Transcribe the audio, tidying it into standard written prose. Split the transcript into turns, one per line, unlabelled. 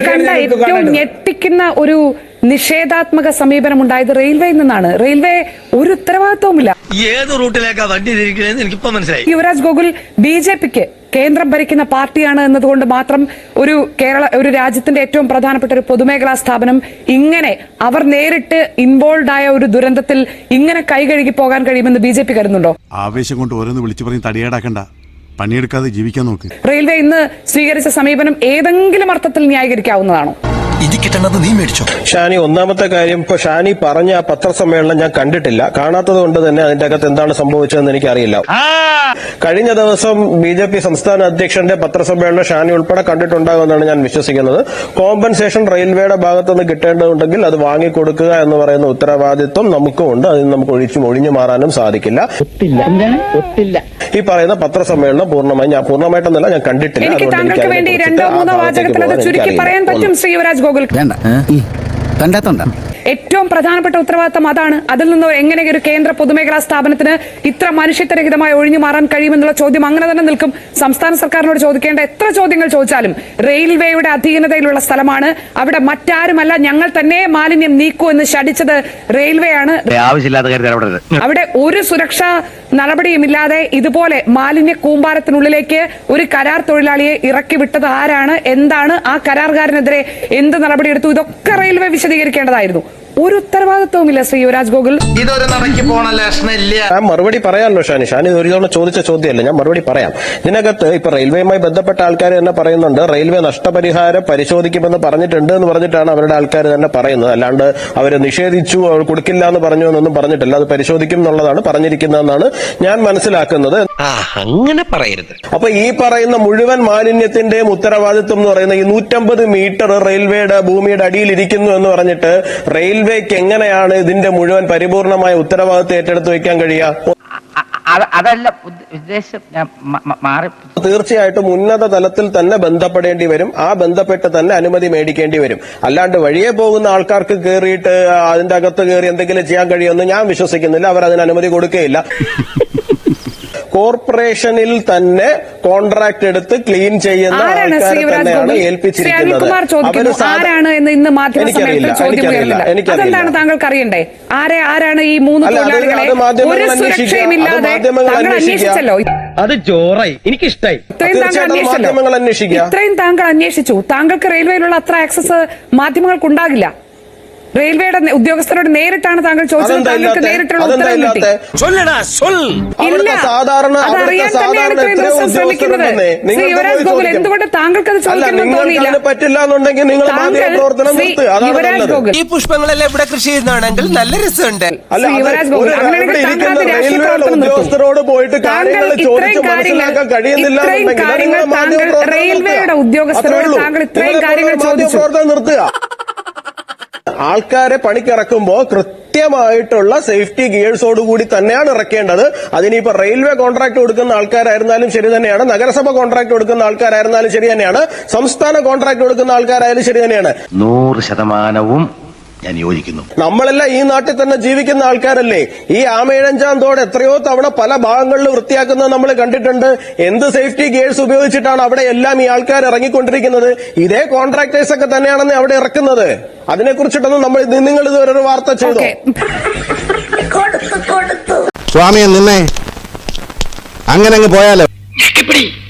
കണ്ട ഏറ്റവും ഞെട്ടിക്കുന്ന ഒരു നിഷേധാത്മക സമീപനം ഉണ്ടായത് റെയിൽവേയിൽ നിന്നാണ്. റെയിൽവേ ഒരു ഉത്തരവാദിത്വവുമില്ല.
ഏത് റൂട്ടിലേക്കാ വണ്ടി തിരിക്കണേന്ന് എനിക്കിപ്പോ മനസ്സിലായി.
യുവരാജ് ഗോകുൽ ബിജെപിക്ക് കേന്ദ്രം ഭരിക്കുന്ന പാർട്ടിയാണ് എന്നതുകൊണ്ട് മാത്രം ഒരു രാജ്യത്തിന്റെ ഏറ്റവും പ്രധാനപ്പെട്ട ഒരു പൊതുമേഖലാ സ്ഥാപനം ഇങ്ങനെ അവർ നേരിട്ട് ഇൻവോൾവ് ആയ ഒരു ദുരന്തത്തിൽ ഇങ്ങനെ കൈകഴുകി പോകാൻ കഴിയുമെന്ന് ബിജെപി കരുതുന്നുണ്ടോ?
ആവേശം കൊണ്ട് ഓരോന്ന് വിളിച്ചു പറഞ്ഞ് തടിയേടാക്കണ്ട, പണിയെടുക്കാതെ ജീവിക്കാൻ നോക്ക്.
റെയിൽവേ ഇന്ന് സ്വീകരിച്ച സമീപനം ഏതെങ്കിലും അർത്ഥത്തിൽ ന്യായീകരിക്കാവുന്നതാണോ?
ഷാനി, ഒന്നാമത്തെ കാര്യം, ഇപ്പൊ ഷാനി പറഞ്ഞ ആ പത്രസമ്മേളനം ഞാൻ കണ്ടിട്ടില്ല. കാണാത്തത് കൊണ്ട് തന്നെ അതിന്റെ അകത്ത് എന്താണ് സംഭവിച്ചതെന്ന് എനിക്കറിയില്ല. കഴിഞ്ഞ ദിവസം ബിജെപി സംസ്ഥാന അധ്യക്ഷന്റെ പത്രസമ്മേളനം ഷാനി ഉൾപ്പെടെ കണ്ടിട്ടുണ്ടാകുമെന്നാണ് ഞാൻ വിശ്വസിക്കുന്നത്. കോമ്പൻസേഷൻ റെയിൽവേയുടെ ഭാഗത്തുനിന്ന് കിട്ടേണ്ടതുണ്ടെങ്കിൽ അത് വാങ്ങിക്കൊടുക്കുക എന്ന് പറയുന്ന ഉത്തരവാദിത്വം നമുക്കുമുണ്ട്. അതിന് നമുക്ക് ഒഴിഞ്ഞു മാറാനും സാധിക്കില്ല. ഈ പറയുന്ന പത്രസമ്മേളനം പൂർണ്ണമായിട്ടൊന്നല്ല ഞാൻ കണ്ടിട്ടില്ല.
എനിക്ക് താങ്കൾക്ക് വേണ്ടി രണ്ടോ മൂന്നോ വാചകത്തിൽ അത് ചുരുക്കി പറയാൻ പറ്റും ശ്രീ യുവരാജ് ഗോകുൽ. ഏറ്റവും പ്രധാനപ്പെട്ട ഉത്തരവാദിത്തം അതാണ്. അതിൽ നിന്ന് എങ്ങനെ ഒരു കേന്ദ്ര പൊതുമേഖലാ സ്ഥാപനത്തിന് ഇത്ര മനുഷ്യത്വരഹിതമായി ഒഴിഞ്ഞു മാറാൻ കഴിയുമെന്നുള്ള ചോദ്യം അങ്ങനെ തന്നെ നിൽക്കും. സംസ്ഥാന സർക്കാരിനോട് ചോദിക്കേണ്ട എത്ര ചോദ്യങ്ങൾ ചോദിച്ചാലും റെയിൽവേയുടെ അധീനതയിലുള്ള സ്ഥലമാണ്. അവിടെ മറ്റാരുമല്ല, ഞങ്ങൾ തന്നെ മാലിന്യം നീക്കൂ എന്ന് ശഠിച്ചത് റെയിൽവേ ആണ്. അവിടെ ഒരു സുരക്ഷാ നടപടിയുമില്ലാതെ ഇതുപോലെ മാലിന്യ കൂമ്പാരത്തിനുള്ളിലേക്ക് ഒരു കരാർ തൊഴിലാളിയെ ഇറക്കി വിട്ടത് ആരാണ്, എന്താണ്, ആ കരാറുകാരനെതിരെ എന്ത് നടപടിയെടുത്തു, ഇതൊക്കെ റെയിൽവേ വിശദീകരിക്കേണ്ടതായിരുന്നു. ഒരു ഉത്തരവാദിത്വവുമില്ല ശ്രീ യുവരാജ് ഗോകുൽ.
ഇതൊരു നടക്കി പോണ ലക്ഷണില്ല.
ഞാൻ മറുപടി പറയാമല്ലോ ഷാനി ഒരു തവണ ചോദിച്ച ചോദ്യമല്ല, ഞാൻ മറുപടി പറയാം. ഇതിനകത്ത് ഇപ്പൊ റെയിൽവേയുമായി ബന്ധപ്പെട്ട ആൾക്കാർ തന്നെ പറയുന്നുണ്ട് റെയിൽവേ നഷ്ടപരിഹാരം പരിശോധിക്കുമെന്ന് പറഞ്ഞിട്ടുണ്ട് എന്ന് പറഞ്ഞിട്ടാണ് അവരുടെ ആൾക്കാർ തന്നെ പറയുന്നത്. അല്ലാണ്ട് അവര് നിഷേധിച്ചു, അവർ കൊടുക്കില്ല എന്ന് പറഞ്ഞു എന്നൊന്നും പറഞ്ഞിട്ടില്ല. അത് പരിശോധിക്കും എന്നുള്ളതാണ് പറഞ്ഞിരിക്കുന്നതെന്നാണ് ഞാൻ മനസ്സിലാക്കുന്നത്.
അങ്ങനെ പറയരുത്.
അപ്പൊ ഈ പറയുന്ന മുഴുവൻ മാലിന്യത്തിന്റെയും ഉത്തരവാദിത്വം എന്ന് പറയുന്ന ഈ 150 മീറ്റർ റെയിൽവേയുടെ ഭൂമിയുടെ അടിയിൽ ഇരിക്കുന്നു എന്ന് പറഞ്ഞിട്ട് റെയിൽവേക്ക് എങ്ങനെയാണ് ഇതിന്റെ മുഴുവൻ പരിപൂർണമായ ഉത്തരവാദിത്വം ഏറ്റെടുത്ത് വയ്ക്കാൻ കഴിയുക?
അതല്ല ഉദ്ദേശം.
തീർച്ചയായിട്ടും ഉന്നത തലത്തിൽ തന്നെ ബന്ധപ്പെടേണ്ടി വരും. ആ ബന്ധപ്പെട്ട് തന്നെ അനുമതി മേടിക്കേണ്ടി വരും. അല്ലാണ്ട് വഴിയെ പോകുന്ന ആൾക്കാർക്ക് കയറിയിട്ട് അതിന്റെ അകത്ത് കയറി എന്തെങ്കിലും ചെയ്യാൻ കഴിയുമെന്ന് ഞാൻ വിശ്വസിക്കുന്നില്ല. അവർ അതിന് അനുമതി കൊടുക്കുകയില്ല. കോർപ്പറേഷനിൽ തന്നെ കോൺട്രാക്ട് എടുത്ത് ക്ലീൻ ചെയ്യുന്ന ആൾക്കാരെ തന്നെയാണ് ഏൽപ്പിച്ചിരിക്കുന്നത്.
അതെന്താണ് താങ്കൾക്ക് അറിയണ്ടേ? ആരാണ് ഈ 3 തൊഴിലാളികളെ ഒരു സുരക്ഷയുമില്ലാതെ താങ്കൾ അന്വേഷിച്ചല്ലോ.
അത് ജോറായി, എനിക്കിഷ്ടായി.
ഇത്രയും താങ്കൾ അന്വേഷിച്ചു. താങ്കൾക്ക് റെയിൽവേയിലുള്ള അത്ര ആക്സസ് മാധ്യമങ്ങൾക്കുണ്ടാകില്ല. റെയിൽവേയുടെ ഉദ്യോഗസ്ഥരോട് നേരിട്ടാണ് താങ്കൾ ചോദിച്ചത്. താങ്കൾക്ക് നേരിട്ടുള്ള ഉത്തരം കിട്ടി. യുവരാജ് ഗോകുൽ, എന്തുകൊണ്ട് താങ്കൾക്ക് അത് ചോദിക്കണമെന്ന് തോന്നിയില്ല? യുവരാജ് ഗോകുൽ,
ഈ പുഷ്പങ്ങളെല്ലാം ഇവിടെ കൃഷി ചെയ്യുന്നതാണെങ്കിൽ നല്ല രസമുണ്ട്.
യുവരാജ് ഗോകുൽ, അങ്ങനെയാണെങ്കിൽ താങ്കൾ അത് രാഷ്ട്രീയ പ്രവർത്തനം നിർത്തും. താങ്കൾ ഇത്രയും കാര്യങ്ങൾ താങ്കൾ റെയിൽവേയുടെ ഉദ്യോഗസ്ഥരോട് താങ്കൾ ഇത്രയും കാര്യങ്ങൾ ചോദിച്ചു.
ആൾക്കാരെ പണിക്കിറക്കുമ്പോ കൃത്യമായിട്ടുള്ള സേഫ്റ്റി ഗിയേഴ്സോടുകൂടി തന്നെയാണ് ഇറക്കേണ്ടത്. അതിനിപ്പോ റെയിൽവേ കോൺട്രാക്ട് കൊടുക്കുന്ന ആൾക്കാരായിരുന്നാലും ശരി തന്നെയാണ്, നഗരസഭ കോൺട്രാക്ട് കൊടുക്കുന്ന ആൾക്കാരായിരുന്നാലും ശരി തന്നെയാണ്, സംസ്ഥാന കോൺട്രാക്ട് കൊടുക്കുന്ന ആൾക്കാരായാലും ശരി തന്നെയാണ്.
100% ഞാൻ യോജിക്കുന്നു.
നമ്മളെല്ലാം ഈ നാട്ടിൽ തന്നെ ജീവിക്കുന്ന ആൾക്കാരല്ലേ? ഈ ആമയിഴഞ്ചാം തോട് എത്രയോ തവണ പല ഭാഗങ്ങളിൽ വൃത്തിയാക്കുന്നത് നമ്മൾ കണ്ടിട്ടുണ്ട്. എന്ത് സേഫ്റ്റി ഗിയേഴ്സ് ഉപയോഗിച്ചിട്ടാണ് അവിടെ എല്ലാം ഈ ആൾക്കാർ ഇറങ്ങിക്കൊണ്ടിരിക്കുന്നത്? ഇതേ കോൺട്രാക്ടേഴ്സ് ഒക്കെ തന്നെയാണെന്ന് അവിടെ ഇറക്കുന്നത്. അതിനെക്കുറിച്ചിട്ടൊന്നും നിങ്ങൾ ഇതുവരെ ഒരു വാർത്ത ചെയ്തോ?
സ്വാമിയെ നിന്നെ അങ്ങനെ അങ്ങ് പോയാലോ.